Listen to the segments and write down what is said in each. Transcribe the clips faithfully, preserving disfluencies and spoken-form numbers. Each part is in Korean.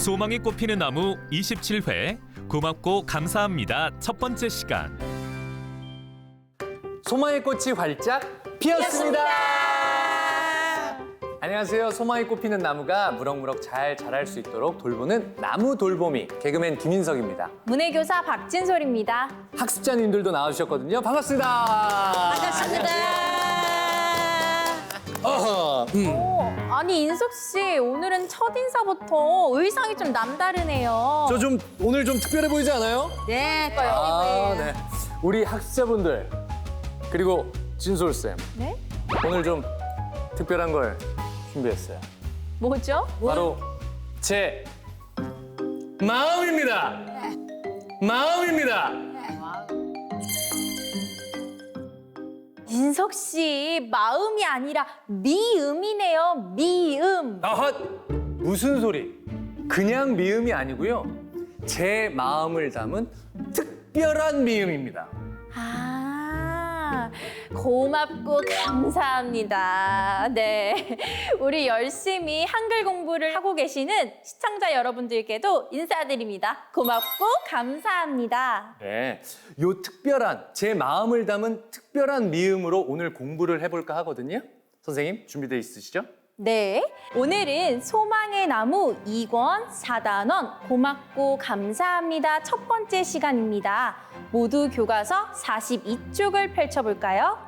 소망이 꽃피는 나무 이십칠 회 고맙고 감사합니다 첫 번째 시간. 소망의 꽃이 활짝 피었습니다. 안녕하세요. 소망이 꽃피는 나무가 무럭무럭 잘 자랄 수 있도록 돌보는 나무 돌보미 개그맨 김인석입니다. 문해교사 박진솔입니다. 학습자님들도 나와주셨거든요. 반갑습니다. 반갑습니다. 어허, 음. 오, 아니 인석 씨 오늘은 첫 인사부터 의상이 좀 남다르네요. 저 좀 오늘 좀 특별해 보이지 않아요? 네, 아, 네. 우리 학습자분들 그리고 진솔 쌤 네? 오늘 좀 특별한 걸 준비했어요. 뭐죠? 바로 제 마음입니다. 마음입니다. 인석 씨 마음이 아니라 미음이네요. 미음. 아헛! 무슨 소리? 그냥 미음이 아니고요. 제 마음을 담은 특별한 미음입니다. 아, 고맙고 감사합니다. 네, 우리 열심히 한글 공부를 하고 계시는 시청자 여러분들께도 인사드립니다. 고맙고 감사합니다. 네, 요 특별한 제 마음을 담은 특별한 미음으로 오늘 공부를 해볼까 하거든요. 선생님 준비돼 있으시죠? 네, 오늘은 소망의 나무 이 권 사 단원 고맙고 감사합니다 첫 번째 시간입니다. 모두 교과서 사십이 쪽을 펼쳐볼까요?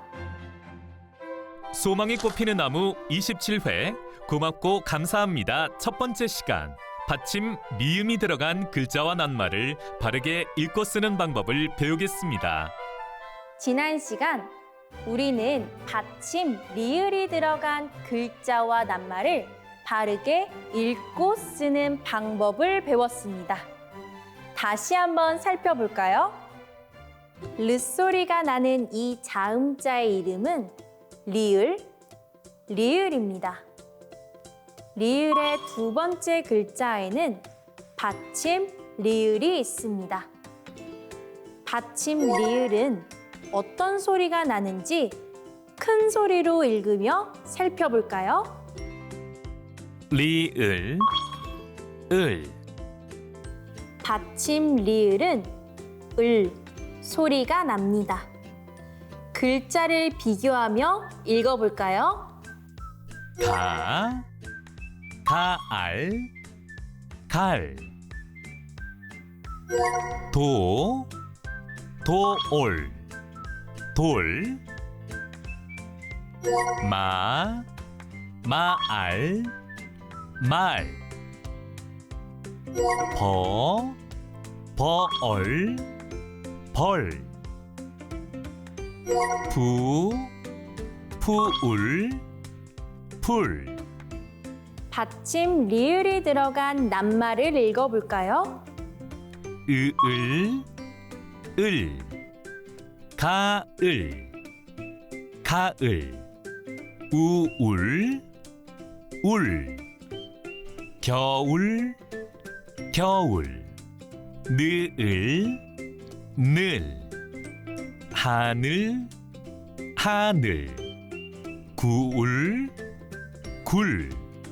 소망이 꽃피는 나무 이십칠 회 고맙고 감사합니다 첫 번째 시간. 받침 미음이 들어간 글자와 낱말을 바르게 읽고 쓰는 방법을 배우겠습니다. 지난 시간 우리는 받침 리을이 들어간 글자와 낱말을 바르게 읽고 쓰는 방법을 배웠습니다. 다시 한번 살펴볼까요? 르 소리가 나는 이 자음자의 이름은 리을, 리을입니다. 리을의 두 번째 글자에는 받침 리을이 있습니다. 받침 리을은 어떤 소리가 나는지 큰 소리로 읽으며 살펴볼까요? 리을, 을, 받침 리을은 을 소리가 납니다. 글자를 비교하며 읽어볼까요? 가, 가알, 갈, 도, 도올, 돌, 마, 마알, 말, 버, 버얼, 벌, 부, 푸울, 풀. 받침 리을이 들어간 낱말을 읽어볼까요? 으을, 을, 가을, 가을, 우울, 울, 겨울, 겨울, 느을, 늘, 하늘, 하늘, 구울, 굴,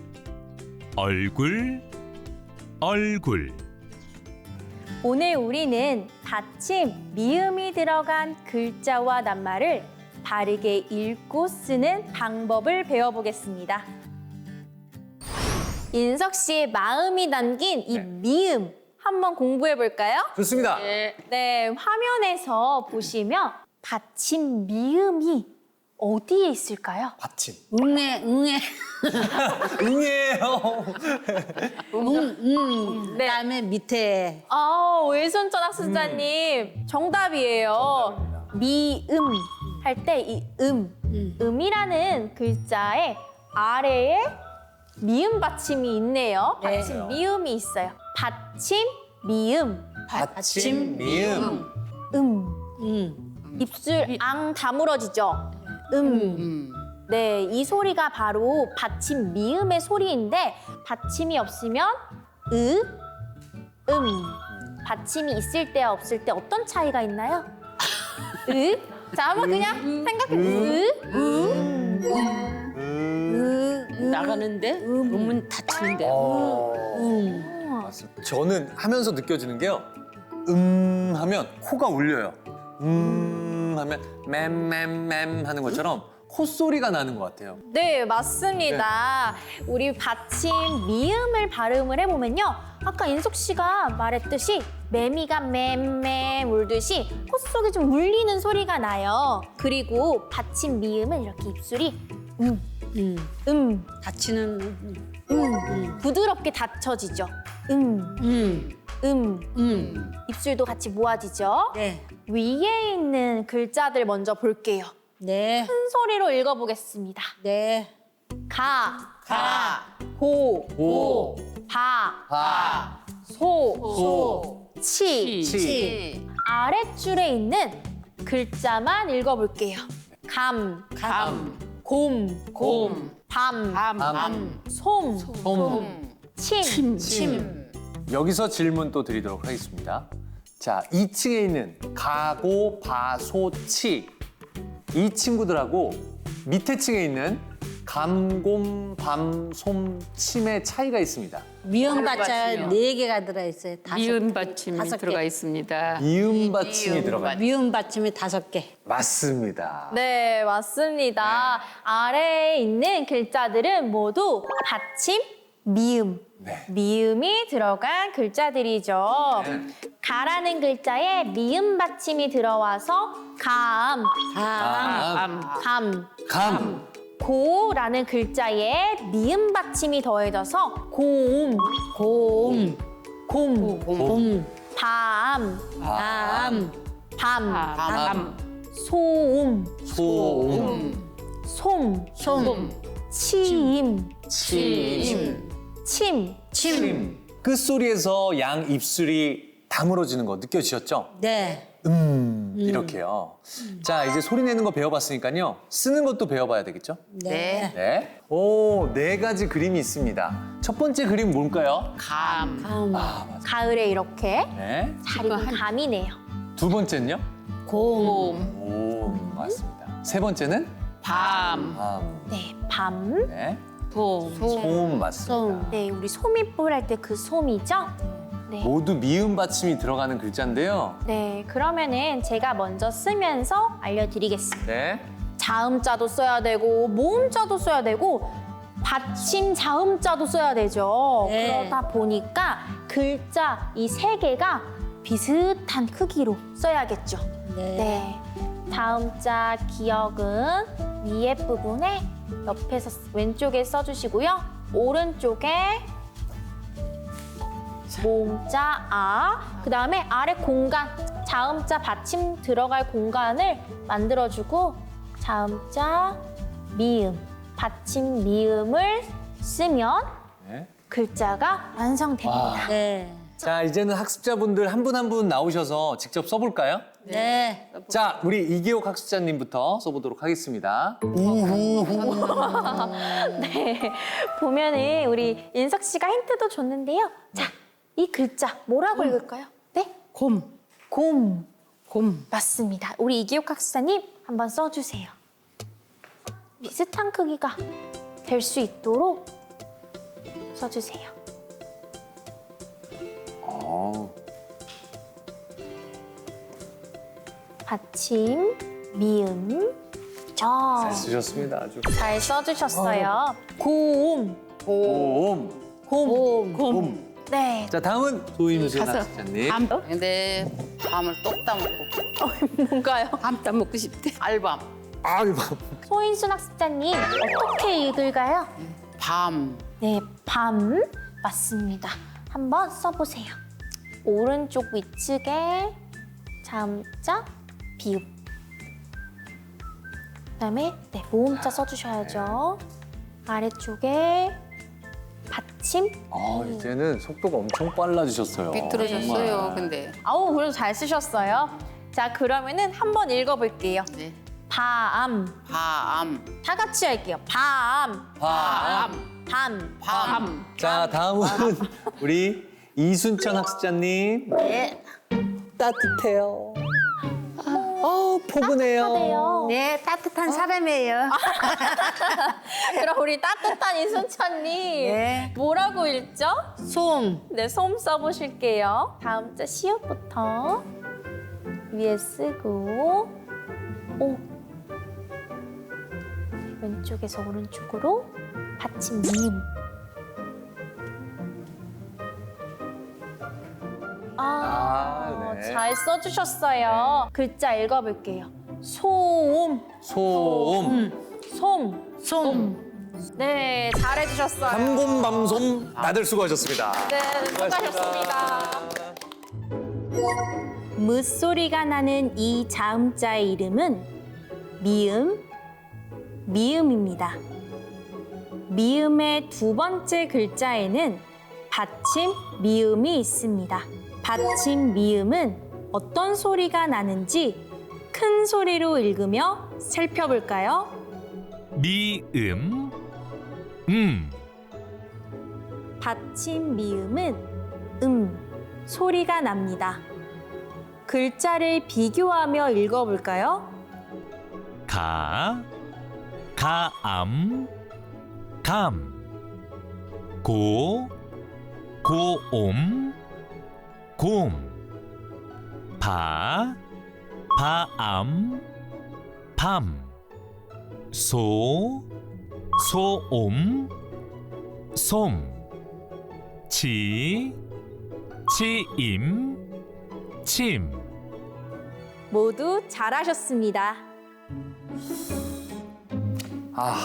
얼굴, 얼굴. 오늘 우리는 받침 미음이 들어간 글자와 낱말을 바르게 읽고 쓰는 방법을 배워보겠습니다. 인석 씨의 마음이 담긴 이 네. 미음 한번 공부해 볼까요? 좋습니다. 네, 화면에서 보시면 받침 미음이 어디에 있을까요? 받침. 응애, 응애, 응애요. 응, 응. 네. 그다음에 밑에 아, 외손전 학습자님 정답이에요. 미음 할 때 이 음, 음이라는 글자의 아래에 미음 받침이 있네요. 네. 받침 미음이 있어요. 받침 미음 받침 미음. 음 응, 입술 앙 다물어지죠. 음. 응. 네, 이 소리가 바로 받침 미음의 소리인데 받침이 없으면 으, 음. 받침이 있을 때와 없을 때 어떤 차이가 있나요? 으? 자, 한번 그냥 생각해. 으, 음. 으, 으. 나가는데 음은 닫히는데. 어. 음. 맞습니다. 저는 하면서 느껴지는 게요. 음 하면 코가 울려요. 음 하면 맴맴맴 하는 것처럼 콧소리가 나는 것 같아요. 네, 맞습니다. 우리 받침 미음을 발음을 해보면요. 아까 인석 씨가 말했듯이 매미가 맴맴 울듯이 콧속에 좀 울리는 소리가 나요. 그리고 받침 미음은 이렇게 입술이 음, 음. 음, 다치는 음, 부드럽게 닫혀지죠. 음, 음. 음. 음. 입술도 같이 모아지죠. 네. 위에 있는 글자들 먼저 볼게요. 네. 큰 소리로 읽어보겠습니다. 네. 가, 가. 고, 오, 바, 바, 소, 소, 치. 치, 아랫줄에 있는 글자만 읽어볼게요. 감, 감. 곰, 곰. 밤, 밤. 밤. 솜, 솜, 침. 침. 여기서 질문 또 드리도록 하겠습니다. 자, 이 층에 있는 가고, 바, 소, 치. 이 친구들하고 밑에 층에 있는 감곰, 밤, 솜, 침의 차이가 있습니다. 미음 받자 받침이요. 네 개가 들어있어요. 다섯 미음 개. 받침이 다섯 개. 들어가 있습니다. 이음 받침이 미음 들어가 있습니다. 미음 받침이 다섯 개. 맞습니다. 네, 맞습니다. 아래에 있는 글자들은 모두 받침, 미음. 네. 미음이 들어간 글자들이죠. 가라는 글자에 미음 받침이 들어와서 감, 감. 감, 감. 감, 고라는 글자에 미음 받침이 더해져서 곰, 곰. 곰, 곰. 밤, 밤. 밤, 밤, 소음, 소음, 솜, 솜. 치임, 침, 침. 침. 끝소리에서 양 입술이 다물어지는 거 느껴지셨죠? 네. 음, 이렇게요. 자, 이제 소리 내는 거 배워봤으니까요. 쓰는 것도 배워봐야 되겠죠? 네. 네. 오, 네 가지 그림이 있습니다. 첫 번째 그림 뭘까요? 감, 감. 아, 맞아. 가을에 이렇게 네. 잘 익은 감이네요. 두 번째는요? 곰. 곰, 오, 맞습니다. 세 번째는? 밤, 밤. 네, 밤. 네. 솜, 솜 맞습니다. 솜. 네, 우리 소미불 할 때 그 솜이죠? 네. 모두 미음 받침이 들어가는 글자인데요. 네, 그러면은 제가 먼저 쓰면서 알려드리겠습니다. 네. 자음자도 써야 되고 모음자도 써야 되고 받침 자음자도 써야 되죠. 네. 그러다 보니까 글자 이 세 개가 비슷한 크기로 써야겠죠. 네. 네. 다음자 기억은 위에 부분에 옆에서 쓰- 왼쪽에 써주시고요. 오른쪽에 모음자 아, 그 다음에 아래 공간, 자음자 받침 들어갈 공간을 만들어주고 자음자 미음, 받침 미음을 쓰면 네. 글자가 완성됩니다. 와. 네. 자, 이제는 학습자분들 한 분 한 분 나오셔서 직접 써볼까요? 네. 자, 우리 이기옥 학습자님부터 써보도록 하겠습니다. 네, 보면은 우리 인석 씨가 힌트도 줬는데요. 자, 이 글자 뭐라고 읽을까요? 네, 곰. 곰. 곰. 맞습니다. 우리 이기옥 학습자님 한번 써주세요. 비슷한 크기가 될 수 있도록 써주세요. 어, 받침, 미음, 저. 잘 쓰셨습니다. 아주. 잘 써주셨어요. 고음, 곰, 곰. 곰. 네. 자, 다음은 조임순 가서 학습자님. 밤, 근데 밤을 똑 따먹고 뭔가요? 밤 따먹고 싶대. 알밤 아이고. 소인순 학습자님 어떻게 읽을까요? 밤 네, 밤 맞습니다. 한번 써보세요. 오른쪽 위측에 자음자, 비읍. 그다음에 네, 모음자 써주셔야죠. 아래쪽에 받침. 아, 이제는 속도가 엄청 빨라지셨어요. 비틀어졌어요. 정말. 근데 아우, 그래도 잘 쓰셨어요. 자, 그러면은 한번 읽어볼게요. 네. 밤. 밤 다 같이 할게요. 밤. 밤. 밤. 밤 자, 다음은 우리 이순천 학습자님. 따뜻해요. 어우 포근해요. 따뜻하대요. 네, 따뜻한 사람이에요. 그럼 우리 따뜻한 이순찬님 네. 뭐라고 읽죠? 솜. 네, 솜 써보실게요. 다음 자 시옷부터 위에 쓰고 오 왼쪽에서 오른쪽으로 받침 미음. 아, 아, 네. 잘 써주셨어요. 글자 읽어볼게요. 소음, 소음. 솜. 솜. 네, 잘해주셨어요. 삼곰밤솜 다들 수고하셨습니다. 네, 수고하셨습니다. 무소리가 나는 이 자음자의 이름은 미음, 미음입니다. 미음의 두 번째 글자에는 받침 미음이 있습니다. 받침 미음은 어떤 소리가 나는지 큰 소리로 읽으며 살펴볼까요? 미음 음 받침 미음은 음 소리가 납니다. 글자를 비교하며 읽어볼까요? 가 가암 감 고 고옴 곰 바 바암 밤 소 소옴 솜 치 치임 침 모두 잘하셨습니다. 아,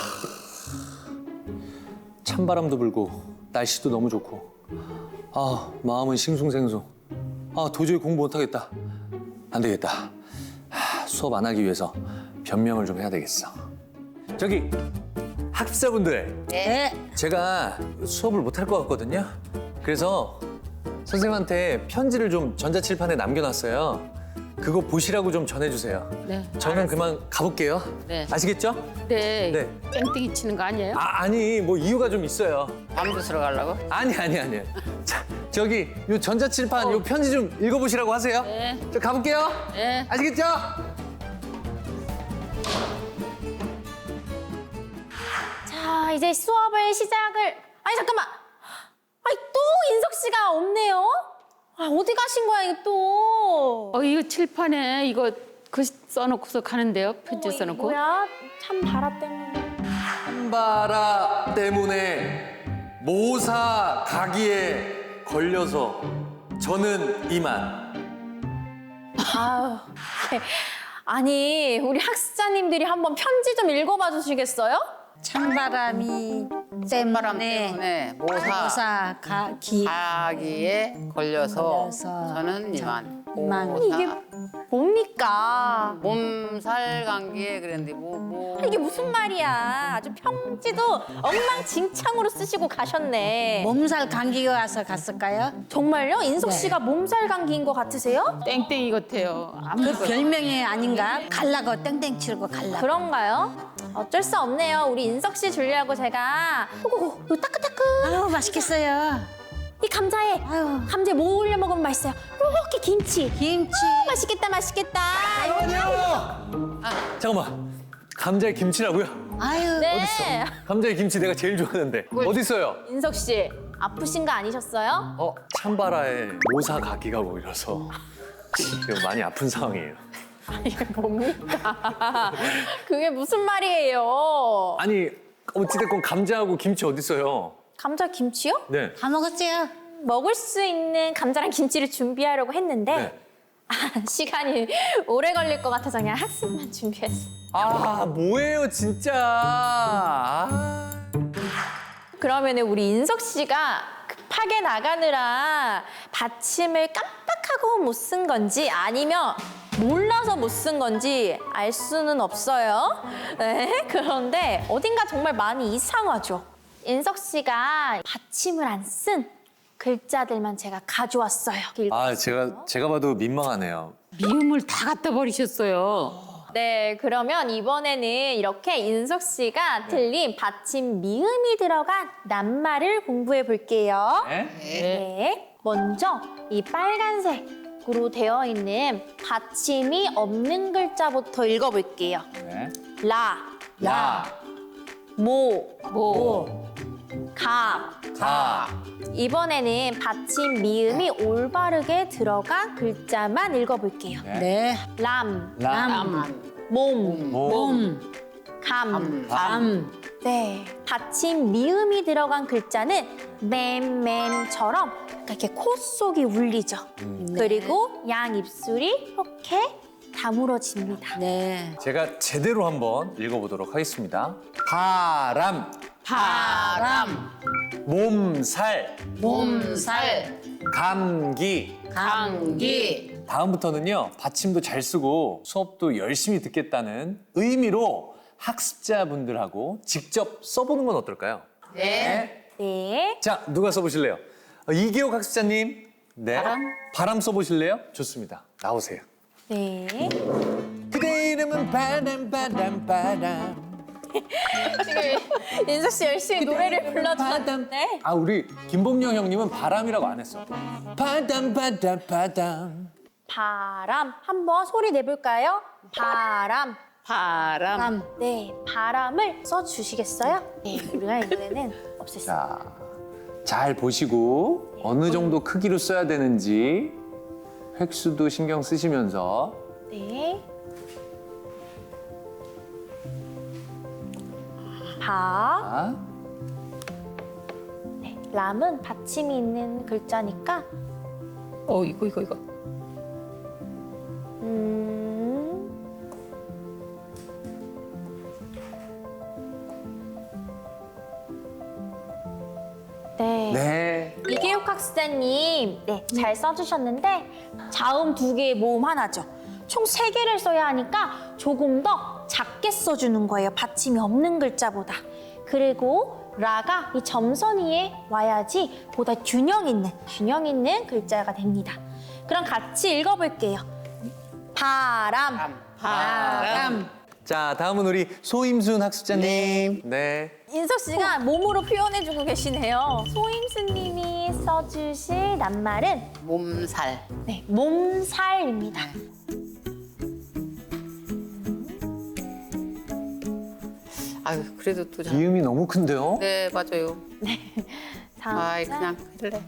찬바람도 불고 날씨도 너무 좋고 아, 마음은 싱숭생숭. 아, 도저히 공부 못하겠다. 안 되겠다. 하, 수업 안 하기 위해서 변명을 좀 해야 되겠어. 저기 학습자분들, 네. 제가 수업을 못할 것 같거든요. 그래서 선생님한테 편지를 좀 전자칠판에 남겨놨어요. 그거 보시라고 좀 전해주세요. 네. 저는 그만 가볼게요. 네. 아시겠죠? 네. 네. 땡땡이 치는 거 아니에요? 아, 아니 뭐 이유가 좀 있어요. 밤 주스러 가려고? 아니 아니 아니. 자, 저기 요 전자칠판 요 편지 좀 읽어보시라고 하세요. 네. 저 가볼게요. 네. 아시겠죠? 자, 이제 수업을 시작을. 아니 잠깐만. 아니 또 인석 씨가 없네요. 아, 어디 가신 거야 이게 또? 어, 이거 칠판에 이거 글 써놓고서 가는데요. 편지 어머, 이게 써놓고. 뭐야? 참 바라 때문에. 한바라 때문에 모사 가기에 걸려서 저는 이만. 아유. 아니 우리 학습자님들이 한번 편지 좀 읽어봐 주시겠어요? 찬바람이 찬바람 때문에 때문에 모사 모사 가기 가기에 걸려서 걸려서 저는 이만. 이만. 모사 이게 뭡니까? 몸살 감기에 그랬는데 뭐 뭐. 이게 무슨 말이야? 아주 편지도 엉망진창으로 쓰시고 가셨네. 몸살 감기가 와서 갔을까요? 정말요? 인석 네. 씨가 몸살 감기인 것 같으세요? 땡땡이 같아요. 그 아무것도. 별명이 아닌가? 갈라고 땡땡 치고 갈라고. 그런가요? 어쩔 수 없네요. 우리 인석 씨 주려고 제가 오고 요 따끈따끈 아유 맛있겠어요. 이 감자에 아유 감자에 뭐 올려 먹으면 맛있어요. 이렇게 김치. 김치. 맛있겠다, 맛있겠다. 잠깐만요. 잠깐만. 감자에 김치라고요? 아유 네. 감자에 김치 내가 제일 좋아하는데 어디 있어요? 인석 씨 아프신 거 아니셨어요? 어, 찬바라에 모사 가기가 보이라서 지금 많이 아픈 상황이에요. 이게 뭡니까? 그게 무슨 말이에요? 아니 어찌됐건 감자하고 김치 어디 있어요? 감자 김치요? 네. 다 먹었지요? 먹을 수 있는 감자랑 김치를 준비하려고 했는데 네. 아, 시간이 오래 걸릴 것 같아서 그냥 학습만 준비했어요. 아 뭐예요 진짜. 아. 그러면 우리 인석 씨가 급하게 나가느라 받침을 깜빡하고 못 쓴 건지 아니면 몰라서 못 쓴 건지 알 수는 없어요. 네, 그런데 어딘가 정말 많이 이상하죠. 인석 씨가 받침을 안 쓴 글자들만 제가 가져왔어요. 아 제가 제가 봐도 민망하네요. 미음을 다 갖다 버리셨어요. 네, 그러면 이번에는 이렇게 인석 씨가 틀린 받침 미음이 들어간 낱말을 공부해 볼게요. 네? 네. 먼저 이 빨간색 으로 되어 있는 받침이 없는 글자부터 읽어볼게요. 네. 라, 라, 모, 뭐 가. 가, 이번에는 받침 미음이 올바르게 들어간 글자만 읽어볼게요. 네. 네. 람, 람, 몸, 몸, 몸, 감. 밤. 네, 받침 미음이 들어간 글자는 맴맴처럼 이렇게 코 속이 울리죠. 그리고 양 입술이 이렇게 다물어집니다. 네. 제가 제대로 한번 읽어보도록 하겠습니다. 바람, 바람, 몸살, 몸살, 감기. 감기. 다음부터는요, 받침도 잘 쓰고 수업도 열심히 듣겠다는 의미로 학습자분들하고 직접 써보는 건 어떨까요? 네. 네, 자, 누가 써보실래요? 어, 이기옥 학습자님. 네. 바람? 바람 써보실래요? 좋습니다. 나오세요. 네. 그대 이름은 바람, 바람, 바람. 지금 인석 씨 열심히 노래를 불러주셨는데 아, 우리 김봉영 형님은 바람이라고 안 했어. 바람, 바람, 바람. 바람 한번 소리 내볼까요? 바람. 바람. 밤. 네, 바람을 써주시겠어요? 네, 우리가 이번에는 없앴습니다. 자, 잘 보시고 어느 정도 크기로 써야 되는지 획수도 신경 쓰시면서. 네. 바. 아, 네, 람은 받침이 있는 글자니까 어 이거 이거 이거 음. 네. 네. 이계욱 학습자님, 네, 잘 써주셨는데 자음 두 개에 모음 하나죠. 총 세 개를 써야 하니까 조금 더 작게 써주는 거예요. 받침이 없는 글자보다. 그리고 라가 이 점선 위에 와야지 보다 균형 있는, 균형 있는 글자가 됩니다. 그럼 같이 읽어볼게요. 바람. 바람. 자, 다음은 우리 소임순 학습자님. 네. 인석 씨가 몸으로 표현해주고 계시네요. 소임수님이 써주실 낱말은 몸살. 네, 몸살입니다. 아유, 그래도 또 잘. 기음이 너무 큰데요? 네, 맞아요. 다음 아이, 자, 그냥 할래.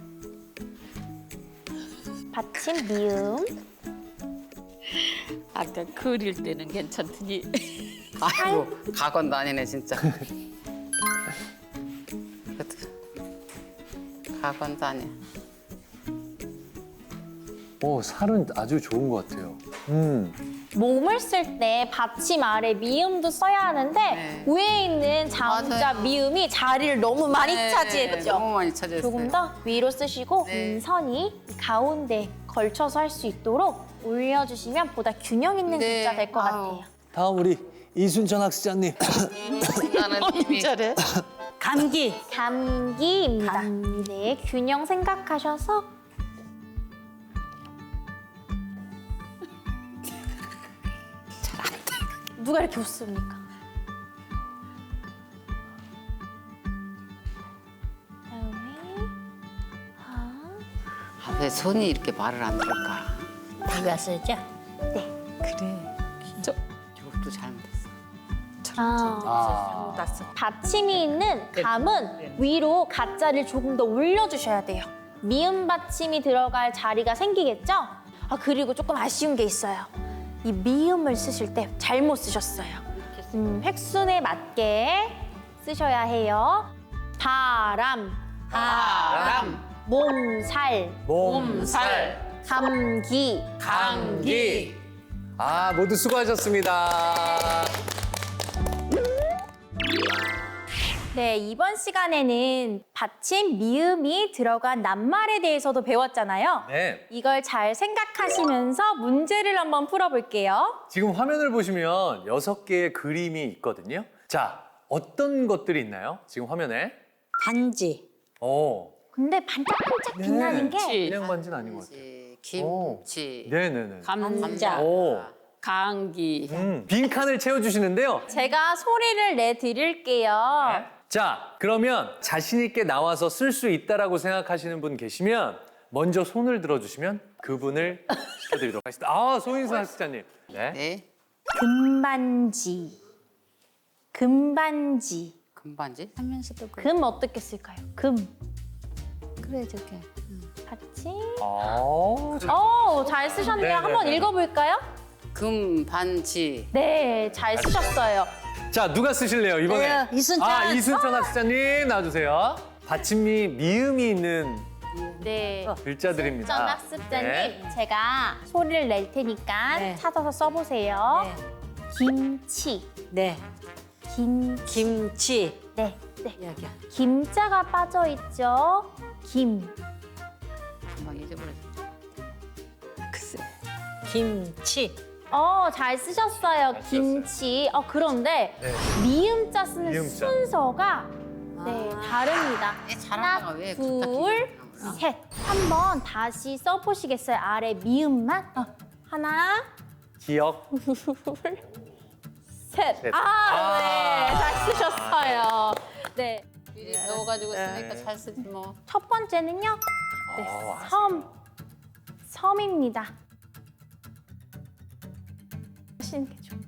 받침 미음. 아까 그릴 때는 괜찮더니 아이고, 가건도 아니네, 진짜. 그래도 가건도 아니야. 오, 살은 아주 좋은 것 같아요. 음. 몸을 쓸 때 받침 아래 미음도 써야 하는데 네. 위에 있는 자음자 맞아요. 미음이 자리를 너무 많이 네, 차지했죠. 너무 많이 차지했어요. 조금 더 위로 쓰시고 네. 음선이 가운데 걸쳐서 할 수 있도록 올려주시면 보다 균형 있는 네. 글자 될 것 아유. 같아요. 다음 우리 이순천 학습자님. 나는 이미 잘해. 감기. 감기입니다. 네, 균형 생각하셔서 누가 이렇게 웃습니까? 다음에 아, 아, 왜 손이 이렇게 말을 안 들을까? 누가 쓰죠? 그래. 진짜 이것도 잘못했어. 아. 아. 받침이 있는 감은 위로 가짜를 조금 더 올려주셔야 돼요. 미음 받침이 들어갈 자리가 생기겠죠? 아, 그리고 조금 아쉬운 게 있어요. 이 미음을 쓰실 때 잘못 쓰셨어요. 음, 획순에 맞게 쓰셔야 해요. 바람, 바람, 몸살, 몸살, 감기. 감기. 아, 모두 수고하셨습니다. 네, 이번 시간에는 받침 미음이 들어간 낱말에 대해서도 배웠잖아요. 네. 이걸 잘 생각하시면서 문제를 한번 풀어볼게요. 지금 화면을 보시면 여섯 개의 그림이 있거든요. 자, 어떤 것들이 있나요? 지금 화면에. 반지. 오. 근데 반짝반짝 빛나는 게 그치. 그냥 반지는 아닌 것 같아요. 김치. 네네네. 감자, 오. 감기. 음, 빈칸을 채워주시는데요. 제가 소리를 내드릴게요. 자, 그러면 자신 있게 나와서 쓸 수 있다라고 생각하시는 분 계시면 먼저 손을 들어주시면 그분을 시켜드리도록 하겠습니다. 아, 소인수 학습자님. 네. 네. 금반지. 금반지. 금반지. 하면서도 그 금 어떻게 쓸까요? 금. 그래 저게. 받침. 아, 자, 어, 잘 쓰셨네요. 네, 네, 한번 네. 읽어볼까요? 금반지. 네, 잘 쓰셨어요. 자, 누가 쓰실래요, 이번에? 네, 이순찬. 아, 이순찬 학습자님 나와주세요. 받침이 미음이 있는 네. 글자들입니다. 전 학습자님, 네. 제가 소리를 낼 테니까 네. 찾아서 써보세요. 네. 김치. 네. 김치. 김치. 네, 네. 여기야. 김자가 빠져 있죠. 김. 금방 잊어버렸어. 글쎄. 김치. 어, 잘 쓰셨어요. 잘 김치. 어, 그런데 네. 미음자 쓰는 미음자. 순서가 네, 다릅니다. 애 잘하다가 하나, 왜 둘, 부탁해? 셋. 한번 다시 써보시겠어요? 아래 미음만? 어, 하나, 기억. 둘, 셋. 셋. 아, 아. 네. 잘 쓰셨어요. 네. 미리 배워가지고 쓰니까 잘 쓰지 뭐. 첫 번째는요. 네, 어, 섬. 섬입니다. 하시는 게 좋은데.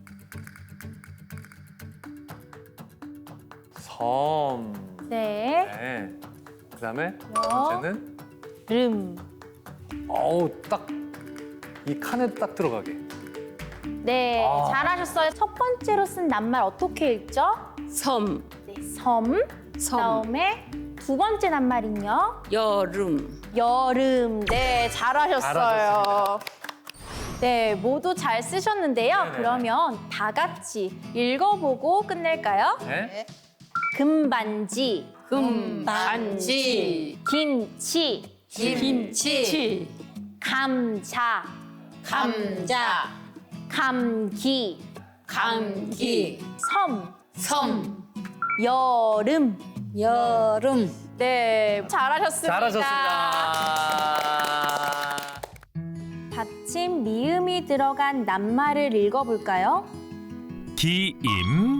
섬. 네. 네. 그 다음에 두 여. 번째는 름. 어우, 딱 이 칸에 딱 들어가게. 네, 아. 잘하셨어요. 첫 번째로 쓴 낱말 어떻게 읽죠? 섬. 네, 섬. 섬. 그다음에 두 번째 낱말은요? 여름. 여름. 네, 잘하셨어요. 잘하셨습니다. 네, 모두 잘 쓰셨는데요. 네네네. 그러면 다 같이 읽어보고 끝낼까요? 네. 금반지, 금반지. 김치, 김치. 감자, 감자. 감기, 감기. 섬, 섬. 여름. 여름. 네, 잘하셨습니다. 잘하셨습니다. 받침 미음이 들어간 낱말을 읽어볼까요? 기임,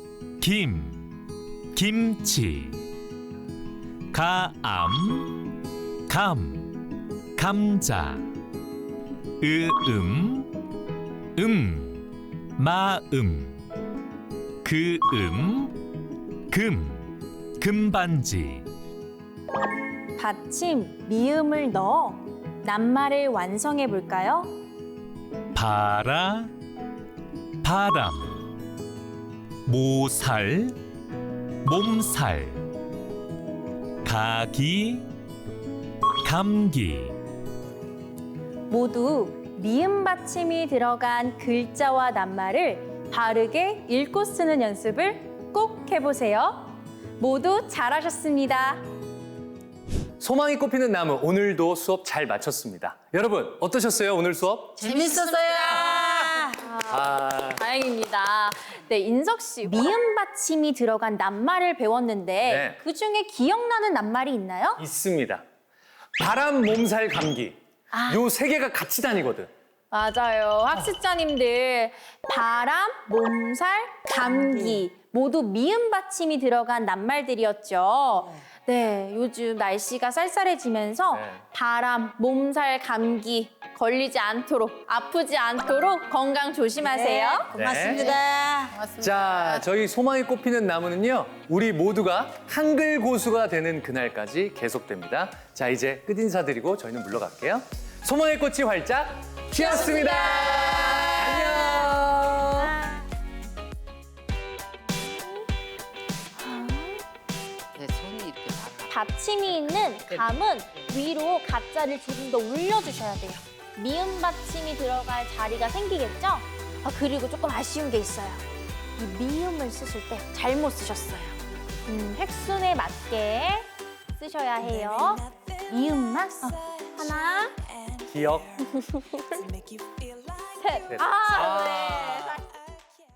김, 김치, 가암, 감, 감자, 으음, 음, 마음, 그음, 금, 금반지. 받침 미음을 넣어 낱말을 완성해 볼까요? 바라, 바람, 모살, 몸살, 가기, 감기. 모두 미음 받침이 들어간 글자와 낱말을 바르게 읽고 쓰는 연습을 꼭 해보세요. 모두 잘하셨습니다. 소망이 꽃피는 나무, 오늘도 수업 잘 마쳤습니다. 여러분, 어떠셨어요, 오늘 수업? 재밌었어요. 아, 다행입니다. 네, 인석 씨, 미음 받침이 들어간 낱말을 배웠는데 네. 그 중에 기억나는 낱말이 있나요? 있습니다. 바람, 몸살, 감기. 요 세 개가 같이 다니거든. 맞아요. 학습자님들 바람, 몸살, 감기 모두 미음 받침이 들어간 낱말들이었죠. 네, 요즘 날씨가 쌀쌀해지면서 네. 바람, 몸살, 감기 걸리지 않도록 아프지 않도록 건강 조심하세요. 고맙습니다. 자, 저희 소망이 꽃피는 나무는요, 우리 모두가 한글 고수가 되는 그날까지 계속됩니다. 자, 이제 끝인사드리고 저희는 물러갈게요. 소망의 꽃이 활짝 피었습니다. 안녕. 내 손이 이렇게 다. 받침이 있는 감은 위로 가짜를 조금 더 올려주셔야 돼요. 미음 받침이 들어갈 자리가 생기겠죠? 아, 그리고 조금 아쉬운 게 있어요. 이 미음을 쓰실 때 잘못 쓰셨어요. 음, 획순에 맞게 쓰셔야 해요. 미음만 어, 하나, 기억. 셋. 아, 네.